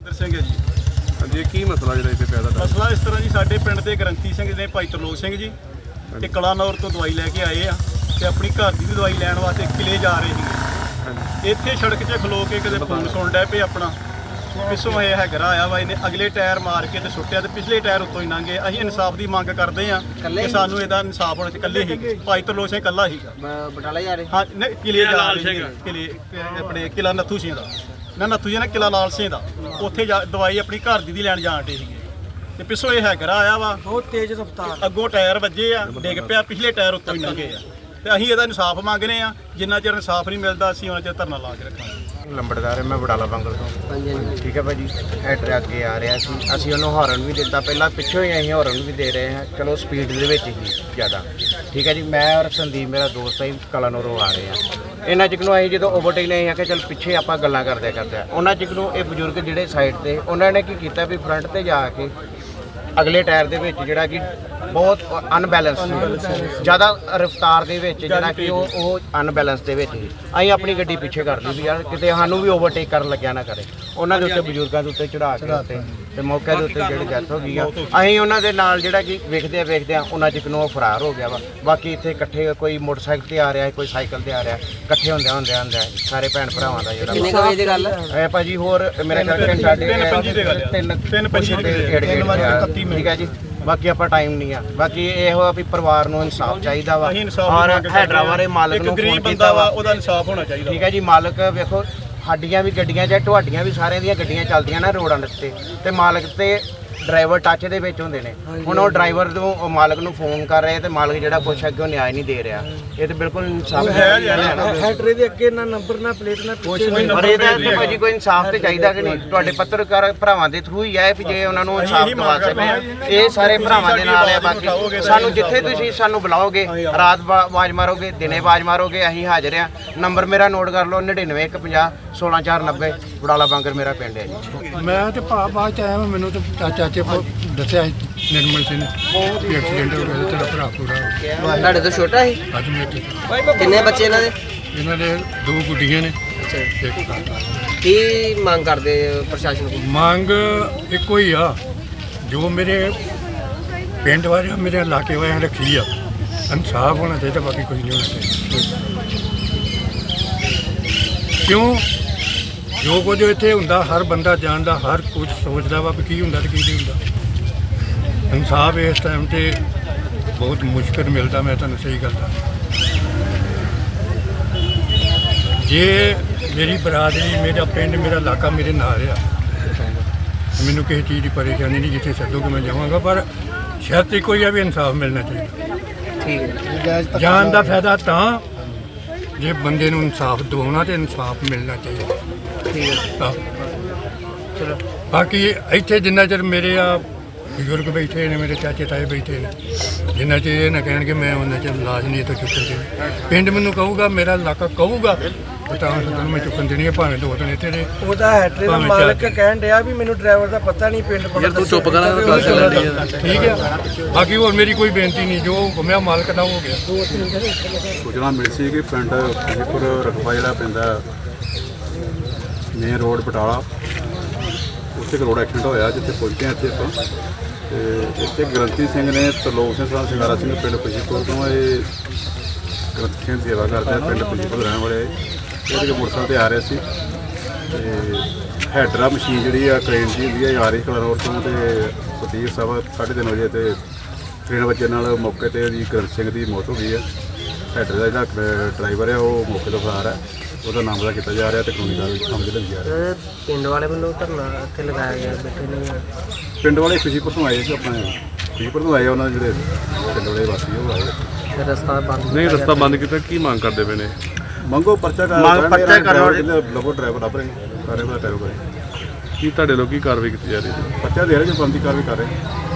ਸਿੰਘ ਹੈ ਜੀ। ਹਾਂਜੀ, ਕੀ ਮਸਲਾ ਜਿਹੜਾ ਇੱਥੇ ਪੈਦਾ ਹੋਇਆ? ਮਸਲਾ ਇਸ ਤਰ੍ਹਾਂ ਜੀ, ਸਾਡੇ ਪਿੰਡ ਦੇ ਗ੍ਰੰਥੀ ਸਿੰਘ ਨੇ ਭਾਈ ਤਰਲੋਕ ਸਿੰਘ ਜੀ ਤੇ ਕਲਾਨੌਰ ਤੋਂ ਦਵਾਈ ਲੈ ਕੇ ਆਏ ਆ ਤੇ ਆਪਣੀ ਘਰ ਦੀ ਵੀ ਦਵਾਈ ਲੈਣ ਵਾਸਤੇ ਕਿਲੇ ਜਾ ਰਹੇ ਸੀਗੇ। ਇੱਥੇ ਸੜਕ 'ਚ ਖਲੋ ਕੇ ਕਿਤੇ ਫੋਨ ਸੁਣ ਡੈ ਪਏ ਆਪਣਾ, ਪਿੱਛੋਂ ਇਹ ਹੈਗਰਾ ਆਇਆ ਵਾ, ਇਹਨੇ ਅਗਲੇ ਟਾਇਰ ਮਾਰ ਕੇ ਤੇ ਸੁੱਟਿਆ ਤੇ ਪਿਛਲੇ ਟਾਇਰ ਉੱਤੋਂ ਹੀ ਲੰਘੇ। ਅਸੀਂ ਇਨਸਾਫ ਦੀ ਮੰਗ ਕਰਦੇ ਆ ਕਿ ਸਾਨੂੰ ਇਹਦਾ ਇਨਸਾਫ ਹੋਣਾ ਚਾਹੀਦਾ। ਇਕੱਲੇ ਹੀ ਭਾਈ ਤਰਲੋਕ ਸਿੰਘ ਇਕੱਲਾ ਹੀਗਾ, ਬਟਾਲਾ ਜਾ ਰਹੇ। ਹਾਂ ਨਹੀਂ, ਕਿਲੇ ਜਾ ਰਹੇ ਸੀਗੇ, ਕਿਲੇ ਆਪਣੇ ਕਿਲਾ ਨੱਥੂ ਸਿੰਘ ਦਾ ਨੱਥੂ ਜੀ ਨੇ ਕਿਲਾ ਲਾਲ ਸਿੰਘ ਦਾ, ਉੱਥੇ ਦਵਾਈ ਆਪਣੀ ਘਰ ਦੀ ਲੈਣ ਜਾਣ ਡੇ ਸੀਗੇ ਤੇ ਪਿੱਛੋਂ ਇਹ ਹੈਗਰਾ ਆਇਆ ਵਾ, ਬਹੁਤ ਤੇਜ਼ ਰਫ਼ਤਾਰ, ਅੱਗੋਂ ਟਾਇਰ ਵੱਜੇ ਆ, ਡਿੱਗ ਪਿਆ, ਪਿਛਲੇ ਟਾਇਰ ਉੱਤੋਂ ਹੀ ਲੰਘੇ ਆ ਤੇ ਅਸੀਂ ਇਹਦਾ ਇਨਸਾਫ ਮੰਗਦੇ ਆ। ਜਿੰਨਾ ਚਿਰ ਇਨਸਾਫ ਨਹੀਂ ਮਿਲਦਾ ਅਸੀਂ ਉਹਨਾਂ ਚਿਰ ਧਰਨਾ ਲਾ ਕੇ ਰੱਖਾਂਗੇ। ਲੰਬੜਦਾਰ ਮੈਂ ਬਟਾਲਾ ਬੰਗਲ ਤੋਂ। ਹਾਂਜੀ ਹਾਂਜੀ ਠੀਕ ਹੈ ਭਾਜੀ, ਹੈਡਰ ਅੱਗੇ ਆ ਰਿਹਾ ਸੀ, ਅਸੀਂ ਉਹਨੂੰ ਹਾਰਨ ਵੀ ਦਿੱਤਾ, ਪਹਿਲਾਂ ਪਿੱਛੋਂ ਹੀ ਅਸੀਂ ਹਾਰਨ ਵੀ ਦੇ ਰਹੇ ਹਾਂ, ਚਲੋ ਸਪੀਡ ਦੇ ਵਿੱਚ ਹੀ ਜ਼ਿਆਦਾ। ਠੀਕ ਹੈ ਜੀ, ਮੈਂ ਔਰ ਸੰਦੀਪ ਮੇਰਾ ਦੋਸਤ ਹੈ, ਕਲਾਨੌਰੋਂ ਆ ਰਹੇ ਹਾਂ। ਇਹਨਾਂ ਚਿਕ ਨੂੰ ਅਸੀਂ ਜਦੋਂ ਓਵਰਟੇਕ ਨਹੀਂ ਆ ਕਿ ਚਲ ਪਿੱਛੇ ਆਪਾਂ ਗੱਲਾਂ ਕਰਦੇ ਉਹਨਾਂ ਚਿਕ ਨੂੰ ਇਹ ਬਜ਼ੁਰਗ ਜਿਹੜੇ ਸਾਈਡ ਤੇ ਉਹਨਾਂ ਨੇ ਕੀ ਕੀਤਾ ਵੀ ਫਰੰਟ ਤੇ ਜਾ ਕੇ ਅਗਲੇ ਟਾਇਰ ਦੇ ਵਿੱਚ ਜਿਹੜਾ ਕਿ ਬਹੁਤ ਅਨਬੈਲੈਂਸ ਜ਼ਿਆਦਾ ਰਫ਼ਤਾਰ ਦੇ ਵਿੱਚ ਜਿਹੜਾ ਕਿ ਉਹ ਅਨਬੈਲੈਂਸ ਦੇ ਵਿੱਚ ਹੀ ਅਸੀਂ ਆਪਣੀ ਗੱਡੀ ਪਿੱਛੇ ਕਰ ਲਈ ਵੀ ਯਾਰ ਕਿਤੇ ਸਾਨੂੰ ਵੀ ਓਵਰਟੇਕ ਕਰਨ ਲੱਗਿਆ ਨਾ ਕਰੇ। ਉਹਨਾਂ ਦੇ ਉੱਤੇ ਬਜ਼ੁਰਗਾਂ ਦੇ ਉੱਤੇ ਚੜਾ ਕੇ ਉੱਤੇ ਤੇ ਮੌਕੇ ਦੇ ਉੱਤੇ ਜਿਹੜੀ ਡੈਥ ਹੋ ਗਈ ਆ, ਅਸੀਂ ਉਹਨਾਂ ਦੇ ਨਾਲ ਜਿਹੜਾ ਕਿ ਵੇਖਦੇ ਆ ਉਹਨਾਂ ਚਿਕ ਨੂੰ ਉਹ ਫਰਾਰ ਹੋ ਗਿਆ ਵਾ। ਬਾਕੀ ਇੱਥੇ ਇਕੱਠੇ ਕੋਈ ਮੋਟਰਸਾਈਕਲ ਤੇ ਆ ਰਿਹਾ, ਕੋਈ ਸਾਈਕਲ ਤੇ ਆ ਰਿਹਾ, ਇਕੱਠੇ ਹੁੰਦੇ ਸਾਰੇ ਭੈਣ ਭਰਾਵਾਂ ਦਾ ਜਿਹੜਾ ਕਿੰਨੇ ਵਜੇ ਦੀ ਗੱਲ ਇਹ ਭਾਜੀ ਹੋਰ ਮੇਰੇ ਖਿਆਲ ਘੰਟਾ ਤਿੰਨ ਪੰਜੀ ਠੀਕ ਹੈ ਜੀ। ਬਾਕੀ ਆਪਾਂ ਟਾਈਮ ਨਹੀਂ ਆ, ਬਾਕੀ ਇਹੋ ਵੀ ਪਰਿਵਾਰ ਨੂੰ ਇਨਸਾਫ ਚਾਹੀਦਾ ਵਾ ਔਰ ਹੈਡਰਾਵਾਰੇ ਮਾਲਕ ਨੂੰ ਫੋਨ ਕੀਤਾ ਵਾ, ਉਹਦਾ ਇਨਸਾਫ ਹੋਣਾ ਚਾਹੀਦਾ। ਠੀਕ ਹੈ ਜੀ, ਮਾਲਕ ਵੇਖੋ ਸਾਡੀਆਂ ਵੀ ਗੱਡੀਆਂ ਚਾਹੇ ਤੁਹਾਡੀਆਂ ਵੀ ਸਾਰਿਆਂ ਦੀਆਂ ਗੱਡੀਆਂ ਚੱਲਦੀਆਂ ਨਾ ਰੋਡਾਂ ਦੇ ਤੇ ਮਾਲਕ ਤੇ ਡਰਾਈਵਰ ਟੱਚ ਦੇ ਵਿੱਚ ਹੁੰਦੇ ਨੇ। ਹੁਣ ਉਹ ਡਰਾਈਵਰ ਨੂੰ ਮਾਲਕ ਨੂੰ ਫੋਨ ਕਰ ਰਹੇ ਤੇ ਮਾਲਕ ਜਿਹੜਾ ਕੁਛ ਅੱਗੇ ਉਹ ਨਿਆਂ ਨਹੀਂ ਦੇ ਰਿਹਾ। ਇਹ ਤੇ ਬਿਲਕੁਲ ਇਨਸਾਫ ਹੈਡਰੇ ਦੇ ਅੱਗੇ ਨਾ ਨੰਬਰ ਨਾ ਪਲੇਟ ਨਾ ਕੁਛ ਨਹੀਂ। ਪਰ ਇਹਦੇ ਤੇ ਭਾਜੀ ਕੋਈ ਇਨਸਾਫ ਤੇ ਚਾਹੀਦਾ ਕਿ ਨਹੀਂ? ਤੁਹਾਡੇ ਪੱਤਰਕਾਰ ਭਰਾਵਾਂ ਦੇ ਥਰੂ ਹੀ ਹੈ ਵੀ ਜੇ ਉਹਨਾਂ ਨੂੰ ਇਨਸਾਫ ਦਿਵਾ ਸਕਦੇ। ਇਹ ਸਾਰੇ ਭਰਾਵਾਂ ਦੇ ਨਾਲ ਹੈ। ਬਾਕੀ ਸਾਨੂੰ ਜਿੱਥੇ ਤੁਸੀਂ ਸਾਨੂੰ ਬੁਲਾਓਗੇ, ਰਾਤ ਆਵਾਜ਼ ਮਾਰੋਗੇ, ਦਿਨੇ ਆਵਾਜ਼ ਮਾਰੋਗੇ, ਅਸੀਂ ਹਾਜ਼ਰ ਹਾਂ। ਨੰਬਰ ਮੇਰਾ ਨੋਟ ਕਰ ਲਓ 99 150 16490 ਬਟਾਲਾ ਬੰਗਰ ਮੇਰਾ ਪਿੰਡ ਹੈ ਜੀ। ਮੈਂ ਤੇ ਬਾਅਦ ਚ ਆਇਆ, ਮੈਨੂੰ ਤੇ ਚਾਚੇ ਦੱਸਿਆ ਨਿਰਮਲ ਸਿੰਘ ਵੀ ਐਕਸੀਡੈਂਟ ਹੋ ਗਿਆ, ਤੇਰਾ ਭਰਾ ਪੂਰਾ ਹੋ ਗਿਆ। ਤੁਹਾਡੇ ਤੋਂ ਛੋਟਾ ਸੀ? ਅੱਜ ਮੇਰੇ ਕਿੰਨੇ ਬੱਚੇ ਇਹਨਾਂ ਦੇ? ਇਹਨਾਂ ਦੇ 2 ਗੁੱਡੀਆਂ ਨੇ। ਅੱਛਾ, ਇੱਕ ਕਾਕਾ। ਕੀ ਮੰਗ ਕਰਦੇ ਪ੍ਰਸ਼ਾਸਨ ਕੋਲ? ਮੰਗ ਇੱਕੋ ਹੀ ਆ, ਜੋ ਮੇਰੇ ਪਿੰਡ ਵਾਲਿਆਂ ਮੇਰੇ ਇਲਾਕੇ ਵਾਲਿਆਂ ਰੱਖੀ ਆ, ਇਨਸਾਫ ਹੋਣਾ ਚਾਹੀਦਾ, ਬਾਕੀ ਕੁਝ ਨਹੀਂ ਹੋਣਾ ਚਾਹੀਦਾ। ਕਿਉਂ ਜੋ ਕੁਝ ਇੱਥੇ ਹੁੰਦਾ ਹਰ ਬੰਦਾ ਜਾਣਦਾ, ਹਰ ਕੁਝ ਸੋਚਦਾ ਵਾ ਵੀ ਕੀ ਹੁੰਦਾ ਤੇ ਕੀ ਨਹੀਂ ਹੁੰਦਾ। ਇਨਸਾਫ ਇਸ ਟਾਈਮ 'ਤੇ ਬਹੁਤ ਮੁਸ਼ਕਿਲ ਮਿਲਦਾ, ਮੈਂ ਤੁਹਾਨੂੰ ਸਹੀ ਗੱਲ ਦੱਸਾਂ। ਜੇ ਮੇਰੀ ਬਰਾਦਰੀ, ਮੇਰਾ ਪਿੰਡ, ਮੇਰਾ ਇਲਾਕਾ ਮੇਰੇ ਨਾਲ ਆ, ਮੈਨੂੰ ਕਿਸੇ ਚੀਜ਼ ਦੀ ਪਰੇਸ਼ਾਨੀ ਨਹੀਂ, ਜਿੱਥੇ ਸੱਦੋਗੇ ਮੈਂ ਜਾਵਾਂਗਾ, ਪਰ ਸ਼ਰਤ ਇੱਕੋ ਹੀ ਆ ਵੀ ਇਨਸਾਫ ਮਿਲਣਾ ਚਾਹੀਦਾ। ਠੀਕ ਹੈ, ਜਾਨ ਦਾ ਫਾਇਦਾ ਤਾਂ ਜੇ ਬੰਦੇ ਨੂੰ ਇਨਸਾਫ ਦਿਵਾਉਣਾ ਤੇ ਇਨਸਾਫ ਮਿਲਣਾ ਚਾਹੀਦਾ। ਠੀਕ ਹੈ, ਚਲੋ ਬਾਕੀ ਇੱਥੇ ਜਿੰਨਾ ਚਿਰ ਮੇਰੇ ਆ ਬਜ਼ੁਰਗ ਬੈਠੇ ਨੇ, ਮੇਰੇ ਚਾਚੇ ਤਾਏ ਬੈਠੇ ਨੇ, ਜਿੰਨਾ ਚਿਰ ਇਹ ਨਾ ਕਹਿਣਗੇ ਮੈਂ ਉਹਨਾਂ ਚਿਰ ਲਾਸ਼ ਨਹੀਂ ਇੱਥੋਂ ਚੁੱਕਣ ਦੇਣੀ। ਪਿੰਡ ਮੈਨੂੰ ਕਹੂਗਾ, ਮੇਰਾ ਇਲਾਕਾ ਕਹੂਗਾ ਤਾਂ ਤੁਹਾਨੂੰ ਮੈਂ ਚੁੱਕਣ ਦੇਣੀ ਹੈ, ਭਾਵੇਂ 2 ਦਿਨ ਇੱਥੇ ਰਹੇ। ਉਹਦਾ ਹੈਡਰੇ ਦਾ ਮਾਲਕ ਕਹਿਣ ਡਿਆ ਵੀ ਮੈਨੂੰ ਡਰਾਈਵਰ ਦਾ ਪਤਾ ਨਹੀਂ, ਪਿੰਡ ਪਤਾ ਤੂੰ ਚੁੱਪ ਕਰਾਂ। ਠੀਕ ਹੈ, ਬਾਕੀ ਹੋਰ ਮੇਰੀ ਕੋਈ ਬੇਨਤੀ ਨਹੀਂ, ਜੋ ਹੁਕਮਿਆ ਮਾਲਕ ਦਾ ਹੋ ਗਿਆ। ਸੂਚਨਾ ਮਿਲੀ ਸੀ ਕਿ ਪਿੰਡ ਖੁਸ਼ੀਪੁਰ ਰਕਬਾ ਜਿਹੜਾ ਪੈਂਦਾ ਮੇਨ ਰੋਡ ਬਟਾਲਾ, ਉੱਥੇ ਇੱਕ ਰੋਡ ਐਕਸੀਡੈਂਟ ਹੋਇਆ, ਜਿੱਥੇ ਪਹੁੰਚੇ ਹਾਂ ਇੱਥੇ ਆਪਾਂ। ਤੇ ਇੱਥੇ ਗ੍ਰੰਥੀ ਸਿੰਘ ਨੇ, ਤਰਲੋਕ ਸਿੰਘ ਸਾਹਿਬ ਸਿੰਘਾਰਾ ਸਿੰਘ ਪਿੰਡ ਖੁਸ਼ੀਪੁਰ ਤੋਂ, ਇਹ ਗ੍ਰੰਥੀ ਸਿੰਘ ਸੇਵਾ ਕਰਦੇ ਆ, ਪਿੰਡ ਖੁਸ਼ੀਪੁਰ ਰਹਿਣ ਵਾਲੇ। ਇਹਦੇ ਮੋਟਰਸਾਈਕਲ 'ਤੇ ਆ ਰਹੇ ਸੀ ਤੇ ਹੈਡਰਾ ਮਸ਼ੀਨ ਜਿਹੜੀ ਆ ਕ੍ਰੇਨ ਦੀ ਹੁੰਦੀ ਆ, ਆ ਰਹੀ ਕਲਾਨੌਰ ਤੋਂ, ਤੇ ਸਤੀਸ਼ ਸਾਹਿਬ 3:30 ਵਜੇ ਤੇ 3 ਵਜੇ ਨਾਲ ਮੌਕੇ 'ਤੇ ਉਹਦੀ ਗ੍ਰੰਥੀ ਸਿੰਘ ਦੀ ਮੌਤ ਹੋ ਗਈ ਹੈ। ਹੈਡਰ ਦਾ ਜਿਹੜਾ ਡਰਾਈਵਰ ਹੈ ਉਹ ਮੌਕੇ ਤੋਂ ਫਰਾਰ ਹੈ, ਉਹਦਾ ਨਾਮ ਦਾ ਕੀਤਾ ਜਾ ਰਿਹਾ ਤੇ ਕਾਨੂੰਨੀ ਕਾਰਵਾਈ ਸਮਝ ਲਈ ਜਾ ਰਹੀ ਹੈ। ਪਿੰਡ ਵਾਲੇ ਵੱਲੋਂ ਧਰਨਾ ਇੱਥੇ ਲਗਾਇਆ ਗਿਆ, ਬੈਠੇ ਨੇ ਪਿੰਡ ਵਾਲੇ ਖੁਸ਼ੀਪੁਰ ਤੋਂ ਆਏ ਸੀ, ਆਪਣੇ ਖੁਸ਼ੀਪੁਰ ਤੋਂ ਆਏ, ਉਹਨਾਂ ਦੇ ਜਿਹੜੇ ਪਿੰਡ ਵਾਲੇ ਵਾਸੀ ਉਹ ਆਏ। ਰਸਤਾ ਬੰਦ ਨਹੀਂ, ਰਸਤਾ ਬੰਦ ਕੀਤਾ। ਕੀ ਮੰਗ ਕਰਦੇ ਪਏ ਨੇ? ਮੰਗੋ ਪਰਚਾ ਕਰੋ, ਲੱਗੋ ਡਰਾਈਵਰ ਲੱਭ ਰਹੇ ਸਾਰੇ ਦਾ ਟੈਰੋ ਕਰੇ। ਕੀ ਤੁਹਾਡੇ ਲੋਕ ਕੀ ਕਾਰਵਾਈ ਕੀਤੀ ਜਾ ਰਹੀ ਹੈ? ਪਰਚਾ ਦੇ ਰਹੇ ਜੋ ਬੰਦੀ ਕਾਰਵਾਈ ਕਰ ਰਹੇ।